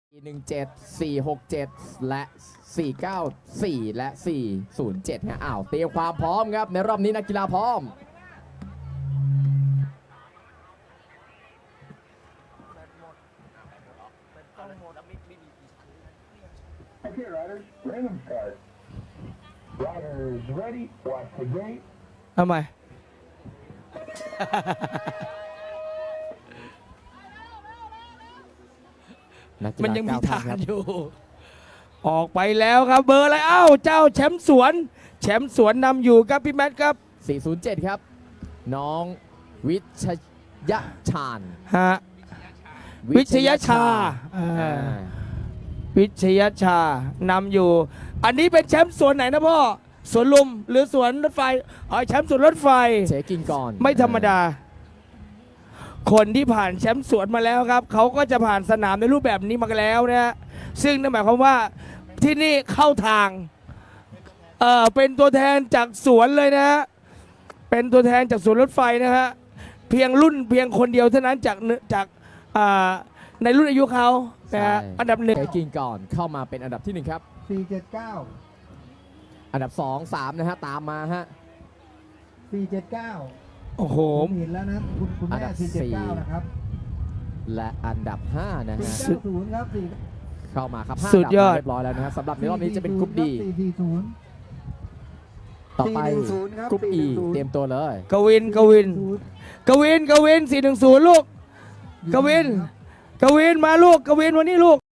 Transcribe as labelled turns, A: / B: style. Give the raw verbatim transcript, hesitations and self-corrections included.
A: หนึ่งเจ็ด สี่หกเจ็ด และสี่เก้าสี่และสี่ศูนย์เจ็ดฮะอ้าวเตรียมความพร้อมครับในรอบนี้นักกีฬาพร้อม
B: ทำไม มันยังมีทางอยู่ ออกไปแล้วครับเบอร์อะไรเอ้าเจ้าแชมป์สวนแชมป์สวนนำอยู่ครับพี่แมทครับ
A: สี่ศูนย์เจ็ดครับน้องวิชยชาญ
B: ฮะวิชยชาอ่า
A: อ่า
B: วิชยชานำอยู่ อันนี้เป็นแชมป์สวนไหนนะพ่อสวนลุมหรือสวนรถไฟอ๋อแชมป์สวนรถไฟ
A: เจ๊กินก่อน
B: ไม่ธรรมดา คนที่ผ่านแชมป์สวนมาแล้วครับเขาก็จะผ่านสนามในรูปแบบนี้มาแล้วนะฮะซึ่งนั่นหมายความว่าที่นี่เข้าทางเออเป็นตัวแทนจากสวนเลยนะฮะเป็นตัวแทนจากสวนรถไฟนะฮะเพียงรุ่นเพียงคนเดียวเท่านั้นจากจากอ่าในรุ่นอายุเขานะฮะอันดับหนึ่ง
A: เจ๊กินก่อนเข้ามาเป็นอันดับที่หนึ่งครับ
C: สี่เจ็ดเก้า
A: อันดับสอง สามนะฮะตามมาฮะ
C: สี่เจ็ดเก้า
B: โอ้โห
C: ผมเห็นแล้วนะคุณคุณ
A: อัน
C: แม่
A: ดับ
C: สี่เจ็ดเก้า
A: สี่
C: นะครับ
A: และอันดับห้านะ
C: สี่
A: ฮะ
C: เก้าศูนย์ครับสี่
A: เข้ามาครับห้า
B: สุดยอด
A: นดับมาเรียบร้อยแล้วนะครับสำหรับในรอบนี้จะเป็นกรุ๊ปดี
C: สี่สี่ศูนย์
A: ต่อไป
C: สี่หนึ่งศูนย์ครับ
A: กรุ๊ป E
C: สี่หนึ่งศูนย์
A: เตรียมตัวเลย
B: กวินกวิน
C: ศูนย์
B: กวินกวินสี่หนึ่งศูนย์ลูก กวิน กวินมาลูกกวินวันนี้ลูก